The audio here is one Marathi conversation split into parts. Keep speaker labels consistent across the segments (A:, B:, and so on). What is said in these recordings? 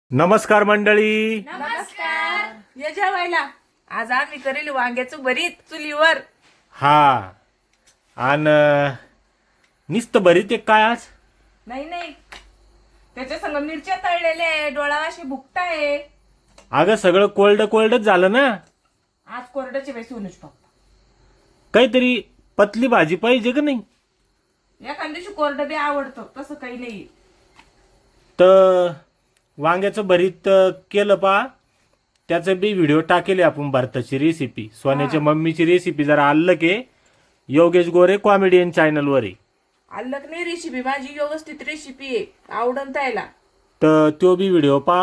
A: नमस्कार मंडळी.
B: नमस्कार. ये जेवायला. आज आम्ही करेल वांग्याचं भरीत चुलीवर.
A: हा आणि नुसतं भरीत एक काय आज?
B: नाही त्याच्या संग मिरच्या तळलेल्या आहे, डोळा अशी भुकटा आहे.
A: अगं सगळं कोल्डच झालं ना.
B: आज कोरड्याची बाई सोनूच पप्पा.
A: काहीतरी पतली भाजी पाहिजे का नाही?
B: एखाद्या दिवशी कोरडं बी आवडतं, तसं काही नाही.
A: तर वांग्याचं भरीत केलं पा, त्याचं बी व्हिडिओ टाकेले आपण भारताची रेसिपी, सोन्याच्या मम्मीची रेसिपी. जरा आलं की योगेश गोरे कॉमेडियन चॅनलवर आहे.
B: अल्लक नाही रेसिपी, माझी व्यवस्थित रेसिपी आहे, आवडन त्याला.
A: तर तो बी व्हिडिओ पा.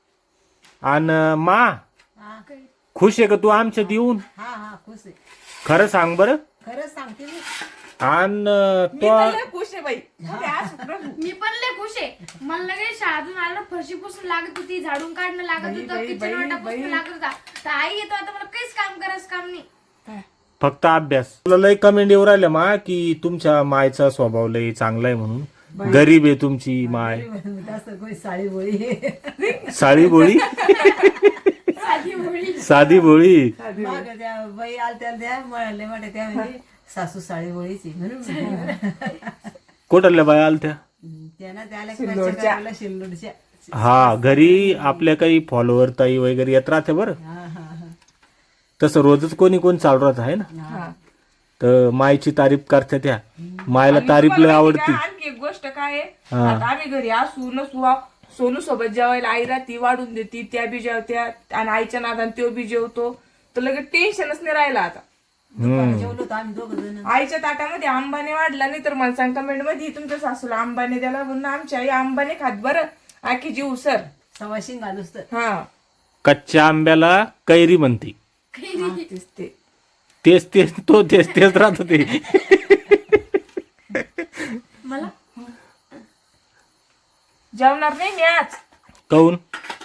A: आणि मा खुश आहे का तू आमच्यात येऊन?
C: हा खुश आहे.
A: खरं सांग बरं.
C: खरंच सांगते मी.
A: आणि
B: मी
A: तो
B: तर लय खुश आहे बाई. आज प्रभू.
D: मी पण लय खुश आहे. मला लगेच शाळेतून आलं फरशी पुसून लागत होती, झाडून काढणं लागत होतं,
B: बाई,
D: किचन वाटा
B: बाई.
D: पुसून लागत होता. तर आई येतो आता, मला काहीच काम करायचं काम नाही.
A: फक्त अभ्यास. तुला लय कमेंट येऊ राहिल्या मा की तुमच्या मायचा स्वभाव लय चांगला आहे म्हणून. गरीब आहे तुमची माय,
C: तसं कोणी साडी बोळी
A: साळी बोळी,
D: साधी मुली.
A: साधी बोळी.
C: मग त्या बाई आलत्या त्या म्हणले म्हणे त्या म्हणजे सासू साडी बोळीची म्हणून
A: कुठल्या बाया आलत्या?
C: त्यांना
B: शिल्लोडच्या.
C: त्याला शिल्लोडच्या.
A: हा, घरी आपल्या काही फॉलोअर ताई वगैरे येत राहते बरं.
C: हा
A: तसं रोजच कोणी चालू राहत आहे ना.
B: हा.
A: तर मायची तारीफ करते त्या. मायला
B: आणि
A: तारीफ लय
B: तुम्हाला
A: आवडती.
B: माहिती का, आणखी एक गोष्ट काय आहे,
A: हा.
B: आता आम्ही घरी असू नसू, सोनू सोबत जेवायला आई राहती, वाढून देती, त्या बी जेवत्या आणि आईच्या नादान त्यो बी जेवतो. तर लगेच टेन्शनच नाही राहिलं आता.
C: जेवलो होतो आम्ही दोघ जण.
B: आईच्या ताटामध्ये आंबाने वाढला नाही तर मला सांग कमेंट मध्ये तुमच्या सासूला आंबाने द्याला, म्हणून आमची आई आंबाने खात बरं आखी जीव सर.
C: सवाशिंग घालूस तर
B: हा
A: कच्च्या आंब्याला कैरी म्हणते.
B: तेच ते.
A: तेच राहत ते.
D: मला
B: जेवणार नाही मी आज.
A: काऊन?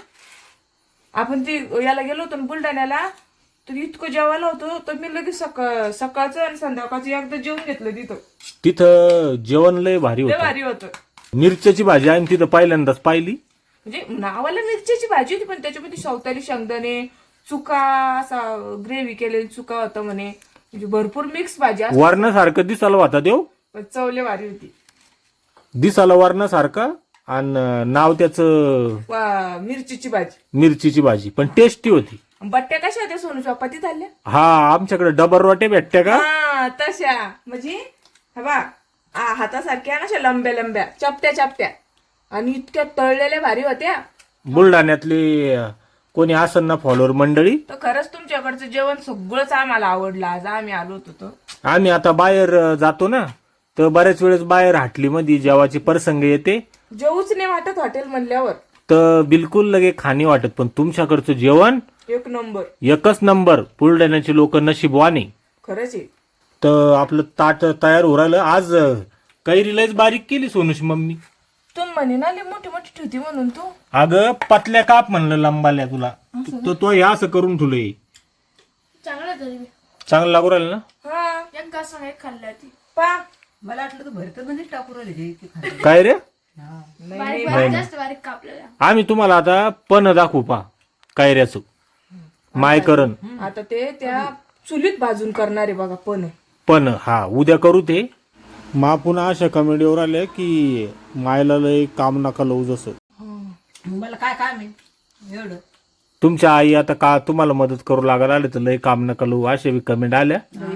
B: आपण ती याला गेलो होतो ना बुलढाण्याला, तर इतकं जेवायला होतं तर मी लगेच सकाळचं आणि संध्याकाळचं एकदा जेवून घेतलं तिथं.
A: तिथं जेवण लय भारी
B: लय
A: होतं.
B: भारी होतं.
A: मिरच्याची भाजी आम्ही तिथं पहिल्यांदाच पाहिली.
B: म्हणजे नावाला मिरच्याची भाजी होती, पण त्याच्यामध्ये शवतारी शेंगदाणे, चुका, असा ग्रेव्ही केलेली चुका होता म्हणे. म्हणजे भरपूर मिक्स भाजी असते,
A: वरणासारखं दिसायला होता देव.
B: पण चव लय भारी होती.
A: दिसायला वरणासारखं आणि नाव त्याचं
B: मिरचीची भाजी.
A: मिरचीची भाजी, पण टेस्टी होती.
B: बट्ट्या कशा होत्या सोनू चपाती झाल्या?
A: हा, आमच्याकडे डबर रोटे भेटत्या का?
B: हा तशा, म्हणजे हा बा हातासारख्या ना, अशा लंब्या चपट्या आणि इतक्या तळलेल्या भारी होत्या.
A: बुलढाण्यातले कोणी असन ना फॉलोअर मंडळी,
B: तर खरंच तुमच्याकडचं जेवण सगळंच आम्हाला आवडलं. आज आम्ही आलो होतो तर.
A: आम्ही आता बाहेर जातो ना, तर बऱ्याच वेळेस बाहेर हाटलीमध्ये जेवाची प्रसंग येते,
B: जेवूच नाही वाटत हॉटेल म्हणल्यावर.
A: तर बिलकुल लगे खाणी वाटत. पण तुमच्याकडचं जेवण
B: एक नंबर.
A: एकच नंबर. बुलढाण्याचे लोक नशीबवाने.
B: खरंच आहे.
A: तर आपलं ताट तयार हो राहिलं. आज कैरी लयच बारीक केली सोनूची मम्मी.
B: तू म्हणे ना लय मोठी ठेवती म्हणून तू.
A: अगं पतल्या काप म्हणलं लंबाल्या तुला. तो हे असं करून ठेवलंय.
D: चांगलं तरी मी
A: चांगलं लागू राहिलं ना.
B: हा
D: एक घास एक खाल्ली ती.
B: पा
C: मला वाटलं तर भरत म्हणजे टाकू राहिले ते खायला.
A: काय रे?
D: बारीक बारीक जास्त बारीक कापलेला.
A: आम्ही तुम्हाला आता पण दाखवू पा कैऱ्याचं. मायकरण
B: आता ते त्या चुलीत भाजून करणार आहे बघा
A: पण हा उद्या करू ते. मा पुन्हा अशा कमेडीवर आल्या की मायला लय काम नका लावू. जसं
C: मला काय काम आहे एवढं.
A: तुमच्या आई आता का तुम्हाला मदत करू लागायला आले तर लय काम नका लावू अशा बी कमेंट आल्या.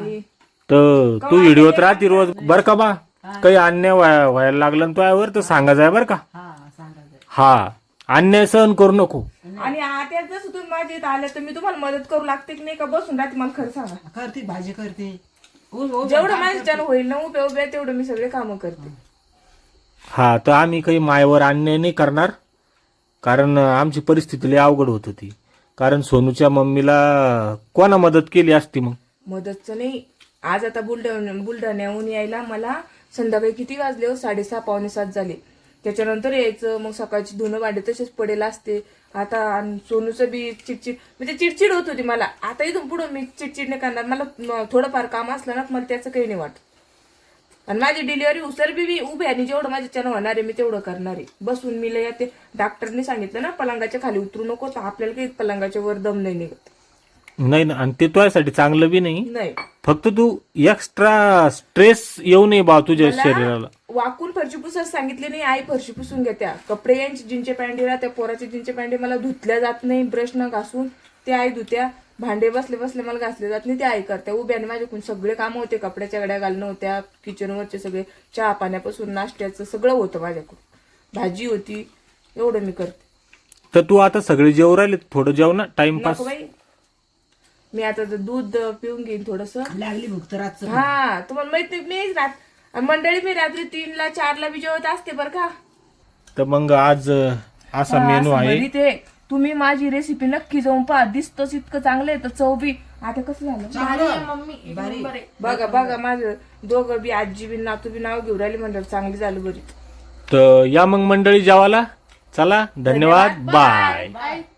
A: तर तू व्हिडिओत राहते रोज बर का बा. काही अन्याय व्हायला लागला ना तुझ्यावर तर सांगा जाय बर का.
C: हा सांगायचं.
A: हा, अन्याय सहन करू नको.
B: आणि आता जसं तुम्ही माझ्या इथं आले तर मी तुम्हाला मदत करू लागते की नाही का बसून राहते मला खरं सांगा.
C: करते भाजी करते.
B: जेवढं माझ्याच्यानं होईल ना उभ्या तेवढं मी सगळे कामं करते.
A: हा, तर आम्ही काही मायवर अन्याय नाही करणार. कारण आमची परिस्थिती लय अवघड होत होती. कारण सोनूच्या मम्मीला कोणा मदत केली असती मग?
B: मदतचं नाही. आज आता बुलढाण्याहून यायला मला संध्याकाळी किती वाजले हो? 6:30 पावणे 7 झाले. त्याच्यानंतर यायचं, मग सकाळची धुणं भांडे तसेच पडेल असते. आता सोनूचं बी चिडचिड, म्हणजे चिडचिड होत होती मला. आता इथून पुढं मी चिडचिड नाही करणार. मला थोडंफार काम असलं ना मला त्याचं काही नाही वाटत. आणि माझी डिलिव्हरी उसर बी मी उभे आणि जेवढं माझ्याच्यानं होणार आहे मी तेवढं करणार आहे. बसून मी लय ते डॉक्टरने सांगितलं ना पलंगाच्या खाली उतरू नको, तर आपल्याला काही पलंगाच्या वर दम नाही निघत.
A: नाही ना, आणि ते तुझ्यासाठी चांगलं बी नाही.
B: नाही
A: फक्त तू एक्स्ट्रा स्ट्रेस येऊ नये बा तुझ्या शरीराला.
B: वाकून फरशी पुसायला सांगितले नाही, आई फरशी पुसून घेत्या. कपडे यांचे जीनचे पॅन्टी राहत्या, पोराचे जीनचे पॅन्टी मला धुतल्या जात नाही ब्रश न घासून, ते आई धुत्या. भांडे बसले बसले मला घासले जात नाही, ते आई करत्या. उभ्याने माझ्याकडून सगळे कामं होते, कपड्याच्या गड्या घालणं होत्या, किचनवरचे सगळे चहा पाण्यापासून नाश्त्याचं सगळं होतं माझ्याकडून. भाजी होती, एवढं मी करते.
A: तर तू आता सगळे जेवू राहिले, थोडं जेव ना, टाइमपास.
B: नको बाई, मी आता ते दूध पिऊन घेईन थोडस.
C: लागली भूक तर रातचं
B: हा तुम्हाला माहित नाही, मीच मंडळी मी रात्री 3ला 4ला बी जेवत असते बरं का.
A: तर मग आज असा मेनू
B: असं
A: आहे.
B: बरी ते तुम्ही माझी रेसिपी नक्की जाऊन पहा, दिसतच इतकं चांगलं आहे. तर चव बी आता कसं झालं
D: भारी आहे मम्मी, एक नंबर आहे.
B: बघा बघा, माझं दोघं बी आजी बी नातू बी नाव घेऊन राहिली, म्हणलं चांगली झालं बरी.
A: तर या मग मंडळी जेवायला. चला, धन्यवाद, बाय.
D: बाय.